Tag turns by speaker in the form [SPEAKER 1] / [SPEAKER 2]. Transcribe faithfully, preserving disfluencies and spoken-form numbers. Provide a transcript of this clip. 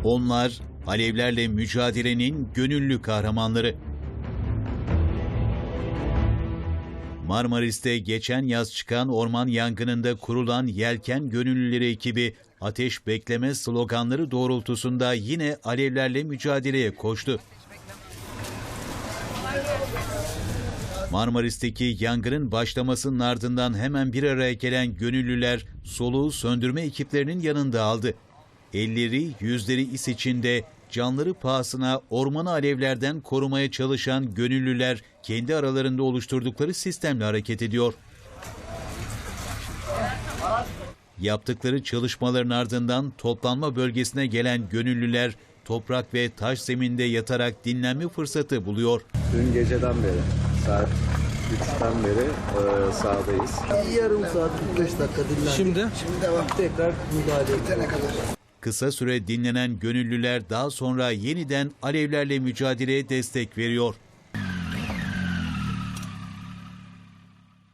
[SPEAKER 1] Onlar alevlerle mücadelenin gönüllü kahramanları. Marmaris'te geçen yaz çıkan orman yangınında kurulan Yelken Gönüllüleri ekibi ateş bekleme sloganları doğrultusunda yine alevlerle mücadeleye koştu. Marmaris'teki yangının başlamasının ardından hemen bir araya gelen gönüllüler soluğu söndürme ekiplerinin yanında aldı. Elleri, yüzleri is içinde, canları pahasına ormanı alevlerden korumaya çalışan gönüllüler kendi aralarında oluşturdukları sistemle hareket ediyor. Yaptıkları çalışmaların ardından toplanma bölgesine gelen gönüllüler toprak ve taş zeminde yatarak dinlenme fırsatı buluyor.
[SPEAKER 2] Dün geceden beri saat üçten beri e, sahadayız.
[SPEAKER 3] Yarım saat kırk beş dakika dinlendik.
[SPEAKER 2] Şimdi?
[SPEAKER 3] Şimdi devam. Tekrar müdahale edene kadar.
[SPEAKER 1] Kısa süre dinlenen gönüllüler daha sonra yeniden alevlerle mücadeleye destek veriyor.